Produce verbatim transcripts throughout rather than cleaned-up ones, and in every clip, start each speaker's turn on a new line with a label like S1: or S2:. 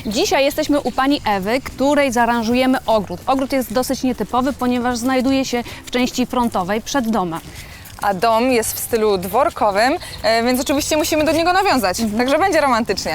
S1: Dzisiaj jesteśmy u pani Ewy, której zaaranżujemy ogród. Ogród jest dosyć nietypowy, ponieważ znajduje się w części frontowej przed domem.
S2: A dom jest w stylu dworkowym, e, więc oczywiście musimy do niego nawiązać, mhm. Także będzie romantycznie.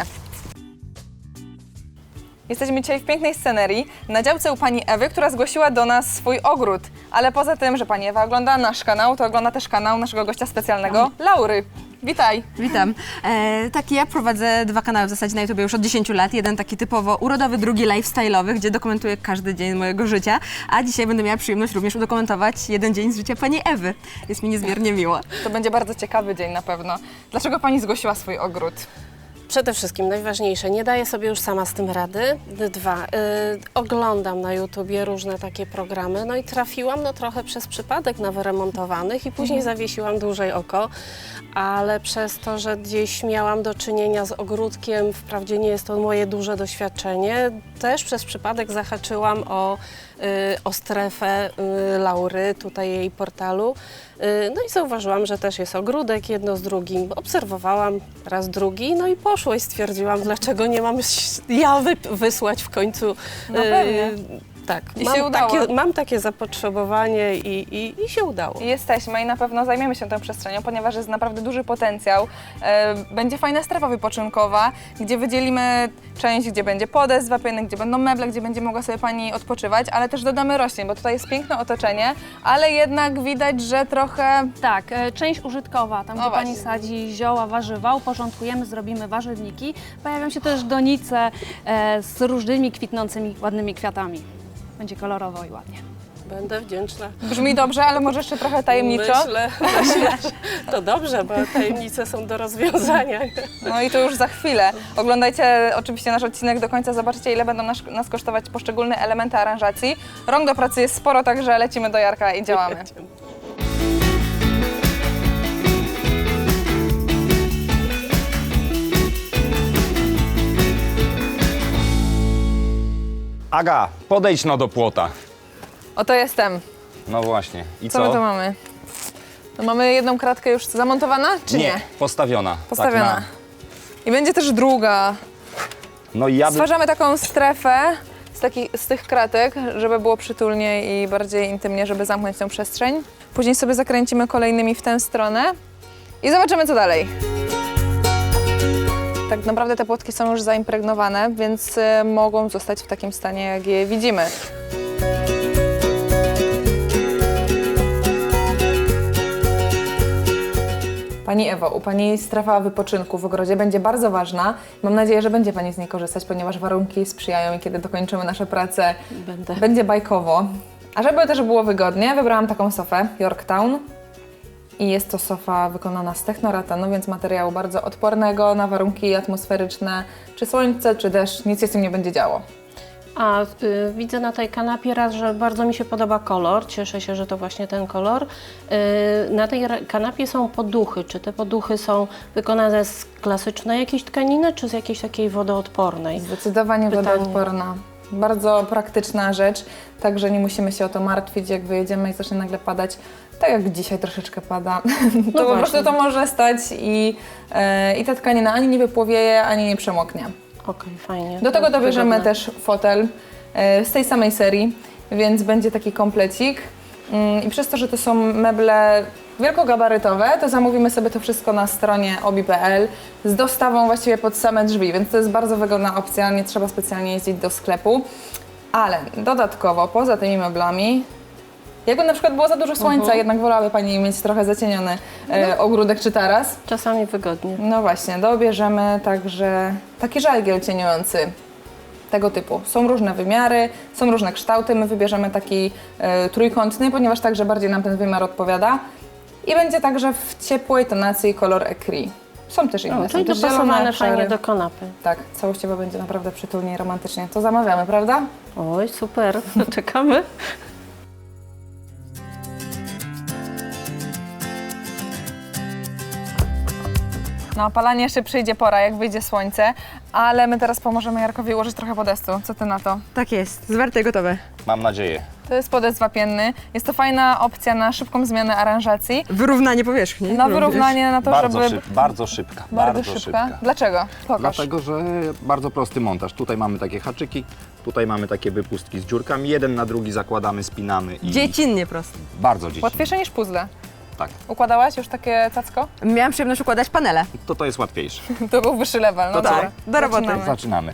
S2: Jesteśmy dzisiaj w pięknej scenerii, na działce u pani Ewy, która zgłosiła do nas swój ogród. Ale poza tym, że pani Ewa ogląda nasz kanał, to ogląda też kanał naszego gościa specjalnego, Laury. Witaj.
S3: Witam. E, tak, ja prowadzę dwa kanały w zasadzie na YouTube już od dziesięciu lat. Jeden taki typowo urodowy, drugi lifestyle'owy, gdzie dokumentuję każdy dzień mojego życia. A dzisiaj będę miała przyjemność również udokumentować jeden dzień z życia pani Ewy. Jest mi niezmiernie miło.
S2: To będzie bardzo ciekawy dzień na pewno. Dlaczego pani zgłosiła swój ogród?
S4: Przede wszystkim najważniejsze, nie daję sobie już sama z tym rady. Dwa, y, oglądam na YouTubie różne takie programy, no i trafiłam no trochę przez przypadek na wyremontowanych i później mhm. zawiesiłam dłużej oko, ale przez to, że gdzieś miałam do czynienia z ogródkiem, wprawdzie nie jest to moje duże doświadczenie, też przez przypadek zahaczyłam o, y, o strefę y, Laury, tutaj jej portalu. No i zauważyłam, że też jest ogródek, jedno z drugim. Obserwowałam raz drugi, no i poszło i stwierdziłam, dlaczego nie mam ja wy wysłać w końcu.
S2: No pewnie.
S4: Tak,
S2: I
S4: mam,
S2: się udało.
S4: takie, mam takie zapotrzebowanie i, i, i się udało.
S2: I jesteśmy i na pewno zajmiemy się tą przestrzenią, ponieważ jest naprawdę duży potencjał. E, będzie fajna strefa wypoczynkowa, gdzie wydzielimy część, gdzie będzie podest wapienny, gdzie będą meble, gdzie będzie mogła sobie pani odpoczywać, ale też dodamy roślin, bo tutaj jest piękne otoczenie, ale jednak widać, że trochę...
S1: Tak, e, część użytkowa, tam
S2: No
S1: gdzie
S2: właśnie.
S1: pani sadzi zioła, warzywa, uporządkujemy, zrobimy warzywniki. Pojawią się też donice e, z różnymi kwitnącymi, ładnymi kwiatami. Będzie kolorowo i ładnie.
S4: Będę wdzięczna.
S2: Brzmi dobrze, ale może jeszcze trochę tajemniczo.
S4: Myślę, myślę, że to dobrze, bo tajemnice są do rozwiązania.
S2: No i to już za chwilę. Oglądajcie oczywiście nasz odcinek do końca, zobaczycie, ile będą nas, nas kosztować poszczególne elementy aranżacji. Rąk do pracy jest sporo, także lecimy do Jarka i działamy.
S5: Aga, podejdź no do płota.
S2: Oto jestem.
S5: No właśnie. I
S2: Co
S5: co?
S2: my tu mamy? No mamy jedną kratkę już zamontowana, czy nie?
S5: postawiona.
S2: Postawiona.
S5: Tak na...
S2: I będzie też druga.
S5: No i ja by...
S2: Stwarzamy taką strefę z, taki, z tych kratek, żeby było przytulnie i bardziej intymnie, żeby zamknąć tę przestrzeń. Później sobie zakręcimy kolejnymi w tę stronę i zobaczymy, co dalej. Tak naprawdę te płotki są już zaimpregnowane, więc y, mogą zostać w takim stanie, jak je widzimy. Pani Ewo, u Pani strefa wypoczynku w ogrodzie będzie bardzo ważna. Mam nadzieję, że będzie Pani z niej korzystać, ponieważ warunki sprzyjają i kiedy dokończymy nasze prace,
S4: Będę.
S2: będzie bajkowo. A żeby też było wygodnie, wybrałam taką sofę Yorktown. I jest to sofa wykonana z technoratanu, więc materiału bardzo odpornego na warunki atmosferyczne, czy słońce, czy deszcz, nic się z tym nie będzie działo.
S4: A y, widzę na tej kanapie raz, że bardzo mi się podoba kolor, cieszę się, że to właśnie ten kolor. Y, na tej kanapie są poduchy. Czy te poduchy są wykonane z klasycznej jakiejś tkaniny, czy z jakiejś takiej wodoodpornej?
S2: Zdecydowanie
S4: Pytanie.
S2: wodoodporna. Bardzo praktyczna rzecz, także nie musimy się o to martwić, jak wyjedziemy i zacznie nagle padać, tak jak dzisiaj troszeczkę pada.
S4: No
S2: to po
S4: właśnie.
S2: prostu to może stać i, e, i ta tkanina ani nie wypłowieje, ani nie przemoknie.
S4: Okej, fajnie.
S2: Do tego
S4: To
S2: dobierzemy
S4: wygodne.
S2: też fotel e, z tej samej serii, więc będzie taki komplecik. Mm, I przez to, że to są meble wielkogabarytowe, to zamówimy sobie to wszystko na stronie obi kropka pe el z dostawą właściwie pod same drzwi, więc to jest bardzo wygodna opcja, nie trzeba specjalnie jeździć do sklepu. Ale dodatkowo, poza tymi meblami, jakby na przykład było za dużo słońca,
S4: Mhm.
S2: jednak wolałaby Pani mieć trochę zacieniony e, ogródek czy taras.
S4: Czasami wygodnie.
S2: No właśnie, dobierzemy także taki żalgiel cieniujący tego typu. Są różne wymiary, są różne kształty, my wybierzemy taki e, trójkątny, ponieważ także bardziej nam ten wymiar odpowiada. I będzie także w ciepłej tonacji kolor ecru. Są też inne,
S4: No,
S2: są
S4: czyli
S2: też
S4: dopasowane
S2: zielone,
S4: fajnie
S2: szare.
S4: do kanapy.
S2: Tak, całościowo będzie naprawdę przytulnie i romantycznie. To zamawiamy, prawda?
S4: Oj, super, czekamy.
S2: Na opalanie jeszcze przyjdzie pora, jak wyjdzie słońce, ale my teraz pomożemy Jarkowi ułożyć trochę podestu. Co Ty na to?
S3: Tak jest, zwarte i gotowe.
S5: Mam nadzieję.
S2: To jest podest wapienny. Jest to fajna opcja na szybką zmianę aranżacji.
S3: Wyrównanie powierzchni.
S2: Na wyrównanie, na to,
S5: Bardzo,
S2: żeby...
S5: szyb, bardzo szybka.
S2: Bardzo szybka. Dlaczego? Pokaż.
S5: Dlatego, że bardzo prosty montaż. Tutaj mamy takie haczyki, tutaj mamy takie wypustki z dziurkami. Jeden na drugi zakładamy, spinamy i
S3: Dziecinnie prosto.
S5: bardzo dziecinnie.
S2: Łatwiejsze niż puzzle.
S5: Tak,
S2: Układałaś już takie cacko?
S3: Miałam przyjemność układać panele.
S5: to to jest łatwiejsze.
S2: To był wyższy level. No
S5: To co?
S2: dobra.
S3: Do roboty.
S2: Zaczynamy.
S5: Zaczynamy.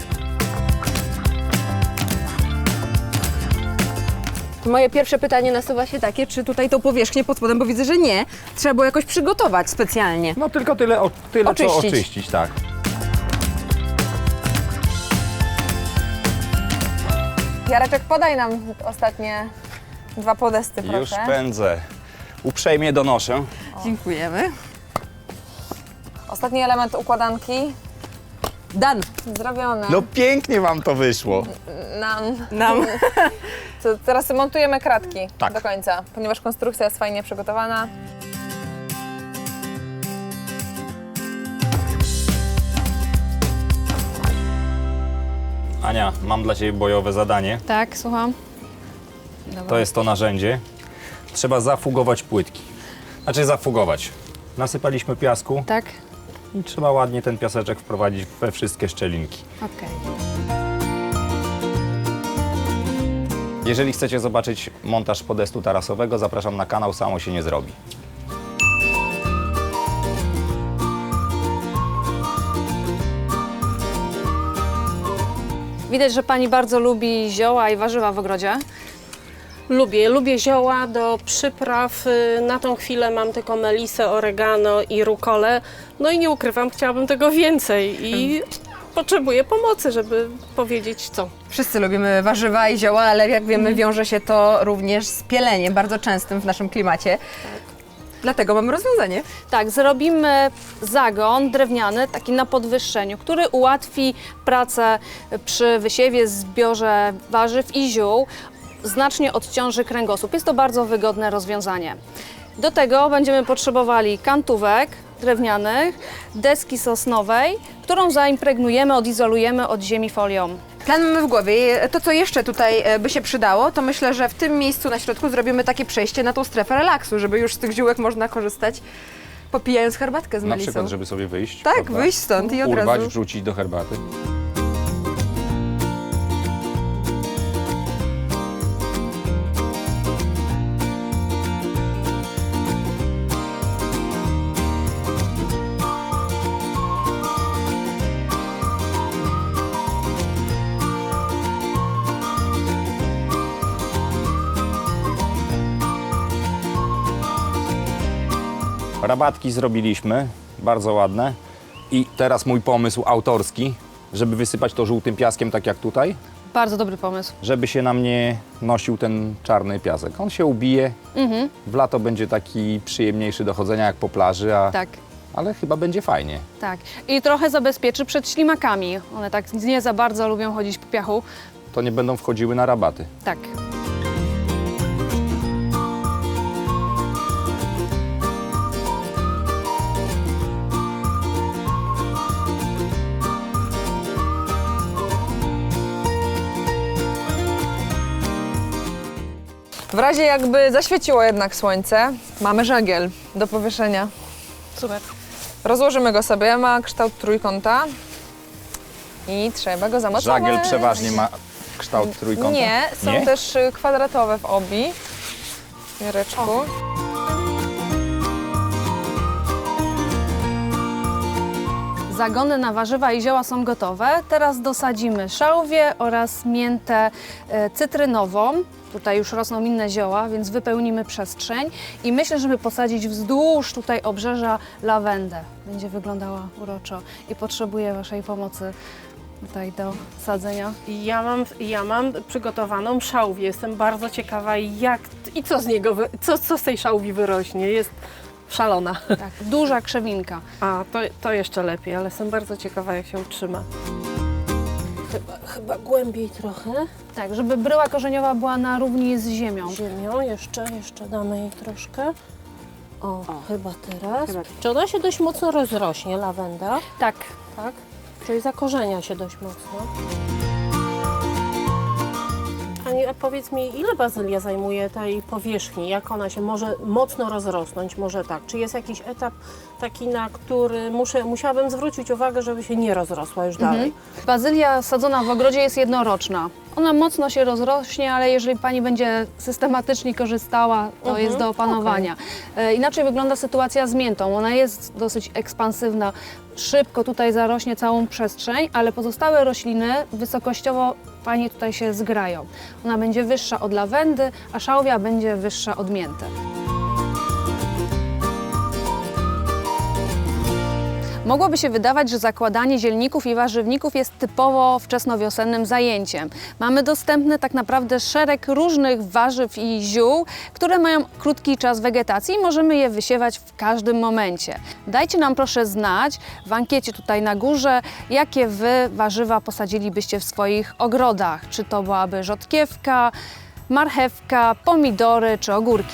S3: Moje pierwsze pytanie nasuwa się takie, czy tutaj tą powierzchnię pod spodem, bo widzę, że nie, trzeba było jakoś przygotować specjalnie.
S5: No tylko tyle, o, tyle co
S3: Oczyścić.
S5: oczyścić, tak.
S2: Jareczek, podaj nam ostatnie dwa podesty, proszę.
S5: Już pędzę. Uprzejmie donoszę.
S3: Dziękujemy.
S2: Ostatni element układanki
S3: Dan.
S2: zrobiony.
S5: No pięknie wam to wyszło.
S2: Nam.
S3: Nam.
S2: To teraz montujemy kratki
S5: Tak.
S2: do końca, ponieważ konstrukcja jest fajnie przygotowana.
S5: Ania, mam dla ciebie bojowe zadanie.
S1: Tak, słucham.
S5: To jest to narzędzie. Trzeba zafugować płytki. Znaczy zafugować. Nasypaliśmy piasku
S1: Tak?
S5: i trzeba ładnie ten piaseczek wprowadzić we wszystkie szczelinki.
S1: Okej.
S5: Jeżeli chcecie zobaczyć montaż podestu tarasowego, zapraszam na kanał Samo się nie zrobi.
S1: Widać, że pani bardzo lubi zioła i warzywa w ogrodzie.
S4: Lubię, lubię zioła do przypraw. Y, Na tą chwilę mam tylko melisę, oregano i rukolę. No i nie ukrywam, chciałabym tego więcej i potrzebuję pomocy, żeby powiedzieć co.
S3: Wszyscy lubimy warzywa i zioła, ale jak wiemy, wiąże się to również z pieleniem, bardzo częstym w naszym klimacie. Dlatego mamy rozwiązanie.
S1: Tak, zrobimy zagon drewniany, taki na podwyższeniu, który ułatwi pracę przy wysiewie, zbiorze warzyw i ziół, znacznie odciąży kręgosłup. Jest to bardzo wygodne rozwiązanie. Do tego będziemy potrzebowali kantówek drewnianych, deski sosnowej, którą zaimpregnujemy, odizolujemy od ziemi folią.
S3: Plan mamy w głowie. To, co jeszcze tutaj e, by się przydało, to myślę, że w tym miejscu na środku zrobimy takie przejście na tą strefę relaksu, żeby już z tych ziółek można korzystać, popijając herbatkę z
S5: Na
S3: melisą.
S5: przykład, żeby sobie wyjść.
S3: Tak,
S5: prawda?
S3: wyjść stąd i od
S5: Urwać,
S3: razu.
S5: wrzucić do herbaty. Rabatki zrobiliśmy, bardzo ładne. I teraz mój pomysł autorski, żeby wysypać to żółtym piaskiem, tak jak tutaj,
S1: Bardzo dobry pomysł.
S5: żeby się nam nie nosił ten czarny piasek. On się ubije,
S1: Mhm,
S5: w lato będzie taki przyjemniejszy do chodzenia jak po plaży, a,
S1: tak.
S5: ale chyba będzie fajnie.
S1: Tak. I trochę zabezpieczy przed ślimakami. One tak nie za bardzo lubią chodzić po piachu.
S5: To nie będą wchodziły na rabaty.
S1: Tak.
S2: W razie jakby zaświeciło jednak słońce, mamy żagiel do powieszenia.
S1: Super.
S2: Rozłożymy go sobie, ma kształt trójkąta i trzeba go zamocować.
S5: Żagiel przeważnie ma kształt trójkąta?
S2: Nie, są
S5: Nie?
S2: też y, kwadratowe w obi. Jareczku.
S1: Zagony na warzywa i zioła są gotowe. Teraz dosadzimy szałwię oraz miętę e, cytrynową. Tutaj już rosną inne zioła, więc wypełnimy przestrzeń. I myślę, żeby posadzić wzdłuż tutaj obrzeża lawendę. Będzie wyglądała uroczo i potrzebuję Waszej pomocy tutaj do sadzenia.
S4: Ja mam, ja mam przygotowaną szałwię. Jestem bardzo ciekawa jak i co z niego, wy- co, co z tej szałwi wyrośnie. Jest szalona.
S1: Tak, duża krzewinka.
S4: A, to, to jeszcze lepiej, ale jestem bardzo ciekawa jak się utrzyma. Chyba, chyba głębiej trochę.
S1: Tak, żeby bryła korzeniowa była na równi z ziemią.
S4: Ziemią, jeszcze, jeszcze damy jej troszkę. O, chyba teraz. Czy ona się dość mocno rozrośnie, lawenda?
S1: Tak,
S4: Tak? Czyli zakorzenia się dość mocno. Pani, a powiedz mi, ile bazylia zajmuje tej powierzchni? Jak ona się może mocno rozrosnąć? Może tak. Czy jest jakiś etap taki, na który muszę, musiałabym zwrócić uwagę, żeby się nie rozrosła już dalej?
S1: Bazylia sadzona w ogrodzie jest jednoroczna. Ona mocno się rozrośnie, ale jeżeli Pani będzie systematycznie korzystała, to
S4: Mhm,
S1: jest do opanowania. E, Inaczej wygląda sytuacja z miętą. Ona jest dosyć ekspansywna. Szybko tutaj zarośnie całą przestrzeń, ale pozostałe rośliny wysokościowo Pani tutaj się zgrają. Ona będzie wyższa od lawendy, a szałwia będzie wyższa od mięty. Mogłoby się wydawać, że zakładanie zielników i warzywników jest typowo wczesnowiosennym zajęciem. Mamy dostępny tak naprawdę szereg różnych warzyw i ziół, które mają krótki czas wegetacji i możemy je wysiewać w każdym momencie. Dajcie nam proszę znać w ankiecie tutaj na górze, jakie Wy warzywa posadzilibyście w swoich ogrodach. Czy to byłaby rzodkiewka, marchewka, pomidory czy ogórki.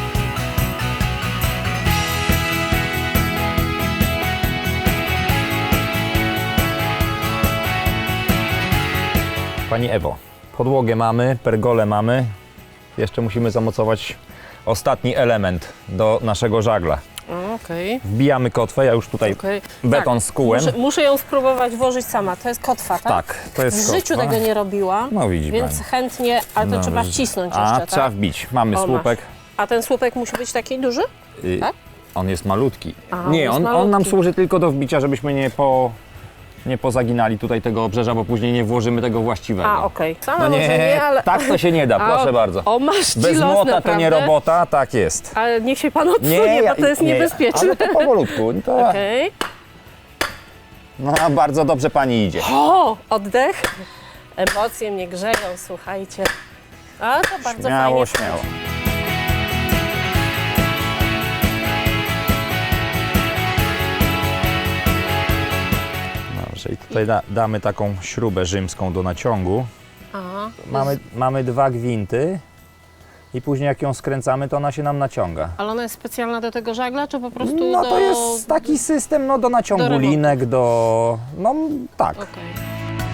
S5: Pani Ewo, podłogę mamy, pergolę mamy. Jeszcze musimy zamocować ostatni element do naszego żagla.
S4: Okej.
S5: Wbijamy kotwę, ja już tutaj
S4: Okay.
S5: beton skułem.
S4: Muszę, muszę ją spróbować włożyć sama. To jest kotwa, tak?
S5: Tak, to jest
S4: W życiu
S5: kotwa.
S4: tego nie robiłam,
S5: No widzi
S4: więc
S5: pani.
S4: chętnie, ale to
S5: No,
S4: trzeba
S5: że-
S4: wcisnąć
S5: A,
S4: jeszcze,
S5: trzeba
S4: tak?
S5: wbić. Mamy
S4: O,
S5: słupek.
S4: masz. A ten słupek musi być taki duży?
S5: Y,
S4: Tak?
S5: On jest malutki.
S4: A, on
S5: nie,
S4: jest
S5: on, on nam
S4: malutki.
S5: służy tylko do wbicia, żebyśmy nie, po, nie pozaginali tutaj tego obrzeża, bo później nie włożymy tego właściwego.
S4: A, okej. Sama
S5: No
S4: może
S5: nie,
S4: nie, ale...
S5: tak to się nie da,
S4: A,
S5: proszę
S4: o,
S5: bardzo.
S4: O, masz
S5: Bez
S4: los,
S5: młota
S4: naprawdę.
S5: to nie robota, tak jest.
S4: Ale niech się pan odsunie, bo to jest
S5: nie,
S4: niebezpieczne.
S5: Ale to powolutku. To,
S4: Okej.
S5: No, bardzo dobrze pani idzie.
S4: O, oddech. Emocje mnie grzeją, słuchajcie. A, to bardzo
S5: Śmiało,
S4: fajnie.
S5: śmiało. Dobrze, i tutaj da, damy taką śrubę rzymską do naciągu.
S4: Aha.
S5: Mamy, mamy dwa gwinty i później jak ją skręcamy, to ona się nam naciąga.
S4: Ale ona jest specjalna do tego żagla, czy po prostu
S5: No
S4: do...
S5: to jest taki system no, do naciągu
S4: do remontu.
S5: linek, do... no tak.
S4: Okej.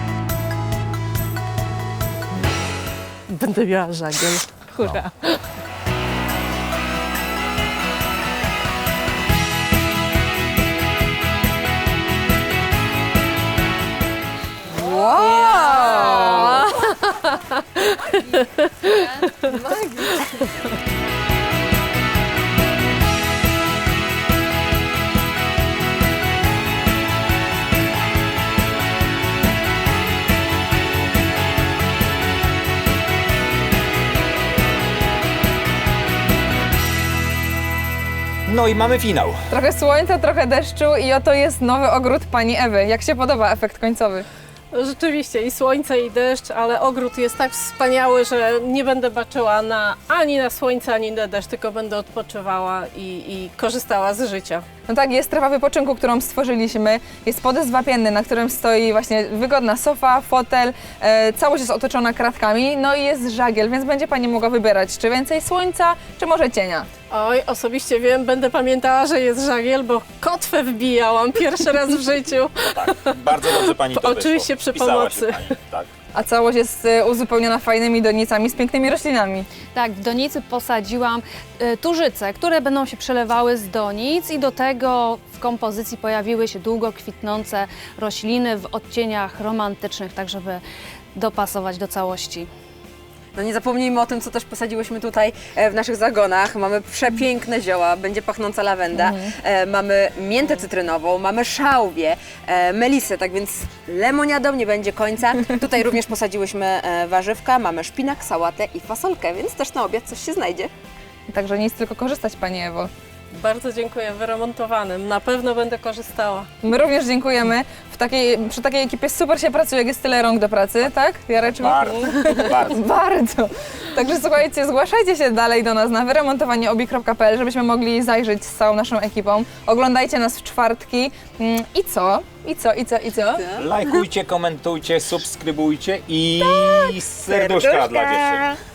S4: Będę miała żagiel. Hurra.
S3: Wow!
S5: No i mamy finał.
S2: Trochę słońca, trochę deszczu i oto jest nowy ogród pani Ewy. Jak się podoba efekt końcowy?
S4: Rzeczywiście i słońce i deszcz, ale ogród jest tak wspaniały, że nie będę baczyła na, ani na słońce, ani na deszcz, tylko będę odpoczywała i, i korzystała z życia.
S2: No tak, jest strefa wypoczynku, którą stworzyliśmy. Jest podest wapienny, na którym stoi właśnie wygodna sofa, fotel. E, całość jest otoczona kratkami, no i jest żagiel, więc będzie pani mogła wybierać, czy więcej słońca, czy może cienia.
S4: Oj, osobiście wiem, będę pamiętała, że jest żagiel, bo kotwę wbijałam pierwszy raz w życiu.
S5: Tak, bardzo dobrze pani
S4: to Oczywiście wyszło. przy Wpisała się pomocy. pani,
S5: tak.
S2: A całość jest e, uzupełniona fajnymi donicami z pięknymi roślinami.
S1: Tak, w donicy posadziłam y, tużyce, które będą się przelewały z donic i do tego w kompozycji pojawiły się długo kwitnące rośliny w odcieniach romantycznych, tak żeby dopasować do całości.
S3: No nie zapomnijmy o tym, co też posadziłyśmy tutaj e, w naszych zagonach. Mamy przepiękne zioła, będzie pachnąca lawenda, e, mamy miętę cytrynową, mamy szałwię, e, melisę, tak więc lemoniadą nie będzie końca. Tutaj również posadziłyśmy e, warzywka, mamy szpinak, sałatę i fasolkę, więc też na obiad coś się znajdzie.
S2: Także nic, tylko korzystać pani Ewo.
S4: Bardzo dziękuję, wyremontowanym. Na pewno będę korzystała.
S2: My również dziękujemy. W takiej, przy takiej ekipie super się pracuje, jak jest tyle rąk do pracy, tak? Jareczku?
S5: Bardzo, bardzo.
S2: Bardzo. Także słuchajcie, zgłaszajcie się dalej do nas na wyremontowanieobi kropka pe el, żebyśmy mogli zajrzeć z całą naszą ekipą. Oglądajcie nas w czwartki. Mm, I co? I co? I co? I co?
S5: Lajkujcie, komentujcie, subskrybujcie i serduszka dla dziewczyn.